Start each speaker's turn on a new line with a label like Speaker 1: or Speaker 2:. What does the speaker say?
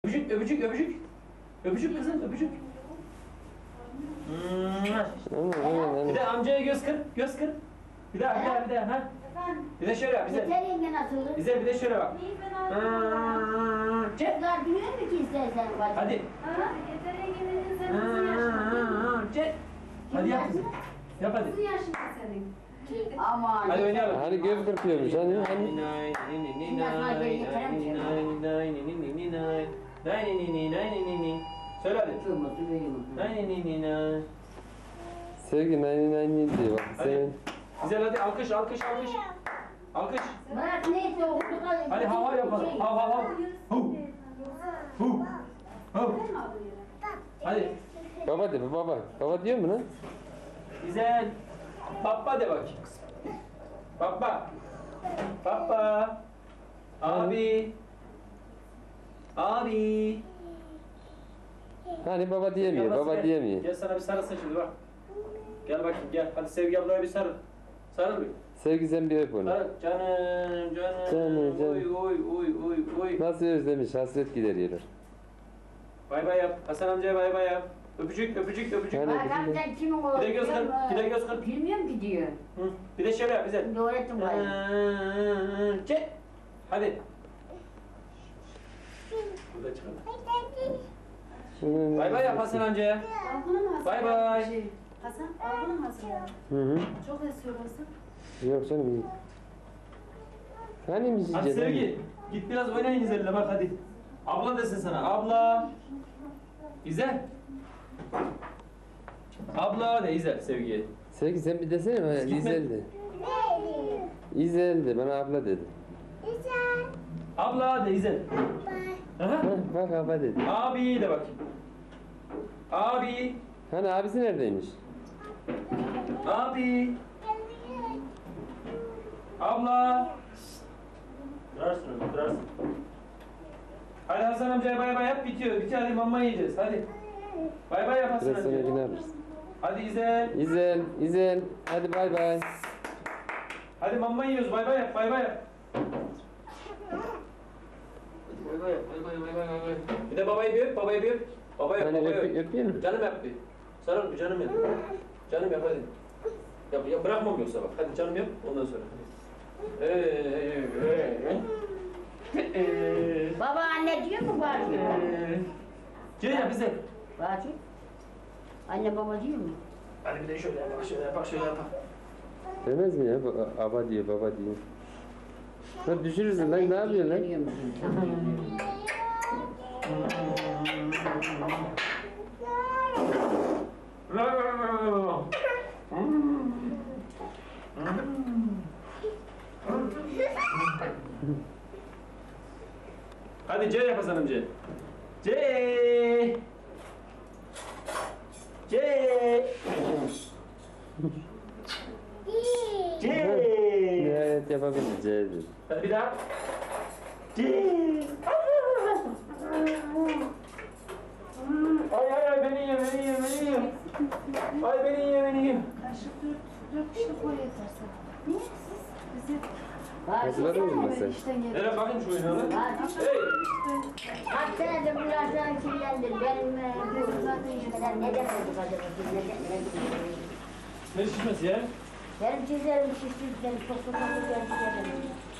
Speaker 1: Öpücük, öpücük, öpücük. Öpücük kızım, öpücük. Bir de amcaya göz kır, göz kır. Bir daha, bir daha, bir daha. Ha? Bir de şöyle yap, bize.
Speaker 2: Yeter yenge nasıl?
Speaker 1: Bize bir de şöyle bak. Çek.
Speaker 2: Kızlar duyuyor mu ki istersen bacım?
Speaker 1: Hadi.
Speaker 3: Yeter yengenin sen nasıl yaşındasın?
Speaker 1: Çek. Hadi yap kızım. Yap hadi.
Speaker 3: Nasıl yaşındasın senin?
Speaker 2: Aman.
Speaker 1: Hadi oynayalım.
Speaker 4: Hani göz kırpıyormuş hani.
Speaker 1: Söyle hadi.
Speaker 2: Kırmızı benim.
Speaker 4: Sevgi nani diyor bak
Speaker 1: Hadi.
Speaker 4: senin.
Speaker 1: Güzel hadi alkış alkış alkış. Alkış.
Speaker 2: Bırak neyse okuduk.
Speaker 1: Hadi hava yapalım. Hav hav hav. Hu. Hu. Hu. Hadi.
Speaker 4: Baba de baba. Baba diyor mu lan?
Speaker 1: Güzel. Baba de bak. Baba. Baba. Abi. Abi.
Speaker 4: Hani baba diyemiyor,
Speaker 1: Ablası
Speaker 4: baba
Speaker 1: gel.
Speaker 4: diyemiyor.
Speaker 1: Gel sana bir sarılsın şimdi bak. Gel bakayım gel. Hadi Sevgi ablaya bir sarıl. Sarıl bir.
Speaker 4: Sevgi sen bir öp onu.
Speaker 1: Sarıl. Canım canım.
Speaker 4: Canım, canım.
Speaker 1: Oy oy oy oy oy.
Speaker 4: Nasıl özlemiş, hasret gideriyorlar.
Speaker 1: Bay bay yap. Hasan amcaya bay bay yap. Öpücük öpücük öpücük.
Speaker 4: Hani-
Speaker 2: Bak sen kimin oğlu?
Speaker 1: Bir de göz kır. Bir de göz kır.
Speaker 2: Bilmiyorum ki diyor.
Speaker 1: Hı. Bir de şöyle yap bize.
Speaker 2: Şimdi öğrettim bana.
Speaker 1: Çek. Hadi. Burada çıkalım. Bay bay yap Hasan amcaya.
Speaker 3: Aldın mı Hasan?
Speaker 1: Bay bay.
Speaker 3: Hasan aldın mı Hasan?
Speaker 4: Hı hı.
Speaker 3: Çok esiyor Hasan.
Speaker 4: Yok canım iyi. Hani mi
Speaker 1: Hadi
Speaker 4: yiyeceğiz?
Speaker 1: Sevgi. Git biraz oynayın İzel'le bak hadi. Abla desin sana. Abla. İzel. Abla de İzel Sevgi'ye.
Speaker 4: Sevgi sen bir desene bana.
Speaker 1: Gitme.
Speaker 4: İzel de. İzel de bana abla dedi.
Speaker 1: Abla de İzel. Aha.
Speaker 4: Hah, bak abla dedi.
Speaker 1: Abi de bak. Abi.
Speaker 4: Hani abisi neredeymiş?
Speaker 1: Abi. Abla. Durarsın oğlum, durarsın. Hadi Hasan amcaya bay bay yap bitiyor. Bitiyor hadi mama yiyeceğiz hadi. Bay bay yap Hasan
Speaker 4: Biraz sonra
Speaker 1: amcaya.
Speaker 4: yine alırız.
Speaker 1: Hadi İzel.
Speaker 4: İzel, İzel. Hadi bay bay.
Speaker 1: Hadi mama yiyoruz bay bay yap bay bay yap. Hadi bay bay yap bay bay bay bay bay. Bir de babayı bir öp babayı bir öp. Babayı öp
Speaker 4: Hani
Speaker 1: babayı öp.
Speaker 4: öpeyim mi?
Speaker 1: Canım yap bir. Sarıl bir canım yap. Canım yap hadi. Ya bırakmam yoksa bak. Hadi canım yap ondan sonra.
Speaker 2: Baba anne diyor mu bacım?
Speaker 1: Gel ya bize.
Speaker 2: Bacım. Anne baba diyor mu?
Speaker 1: Hadi bir de şöyle yap, şöyle yap, şöyle yap.
Speaker 4: Demez mi ya? Aba diyor, baba diyor. Lan düşürürsün lan, ne yapıyorsun lan?
Speaker 2: Biliyor musun?
Speaker 1: Hadi C yap Hasan amca. C. C. C.
Speaker 4: Nihayet yapabileceğiz.
Speaker 1: Hadi bir daha. C. Ay ay ay beni ye beni ye beni ye. Ay beni ye beni ye.
Speaker 3: Kaşık dört kişilik koy yeter sana. Niye siz? Bizi
Speaker 4: Hazırladınız mı sen?
Speaker 3: işten geldik.
Speaker 1: Nereye bakayım şu oyunu lan? Hey.
Speaker 2: Kaç senedir bu yaştan kirlendim. Benim bu zaten işimden neden olduk acaba?
Speaker 1: Ne şişmesi ya?
Speaker 2: Benim çizerim şişti. Benim çok çok çok geldi.